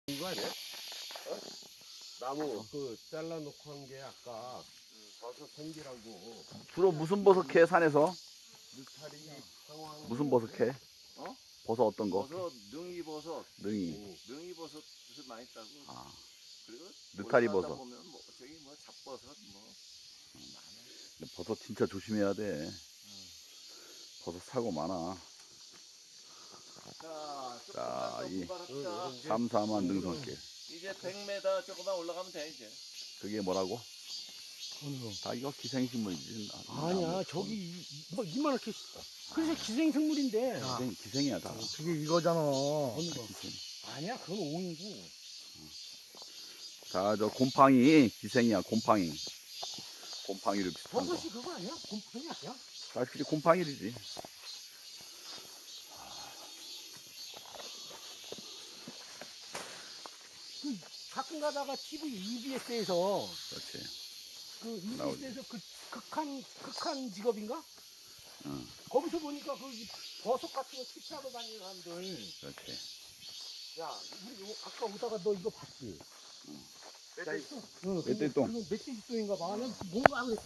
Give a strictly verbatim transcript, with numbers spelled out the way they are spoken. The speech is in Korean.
이거 아니야? 어? 나무 그 잘라놓고 한 게 아까 버섯 생기라고. 주로 무슨 버섯 캐 산에서? 느타리 상황. 무슨 버섯 캐? 어? 버섯 어떤 거? 버섯, 능이버섯, 능이. 능이버섯 많이 따고. 아, 그리고 느타리 올라가다 버섯. 보면 뭐 저기 뭐 잡버섯 뭐 많아. 근데 버섯 진짜 조심해야 돼. 버섯 사고 많아. 자, 자, 조금만 이 더 분발합시다. 게 삼삼한 능선길. 이제 백 미터 조금만 올라가면 돼 이제. 그게 뭐라고? 어느 거? 다 이거 기생식물이지. 나- 아니야, 나무. 저기 이- 이- 뭐 이만하게 그래서 기생생물인데. 기생, 기생이야 다. 그게 이거잖아. 어느 다 거? 기생. 아니야, 그건 옹이고. 자, 저 곰팡이 기생이야. 곰팡이. 곰팡이를 비슷한 거. 버섯이 그거 아니야? 곰팡이 아니야? 사실 곰팡이지. 그 가끔 가다가 티비 이비에스에서 그렇지. 그 나오지. 이비에스에서 그 극한 극한 직업인가? 응, 거기서 보니까 그 버섯 같은 거 채취하러 다니는 사람들. 그렇지. 야, 우리 요- 아까 오다가 너 이거 봤지? 응. 응. 멧돼지. 응. 멧돼지똥. 그거 멧돼지똥인가 봐. 난 뭔가 그랬어.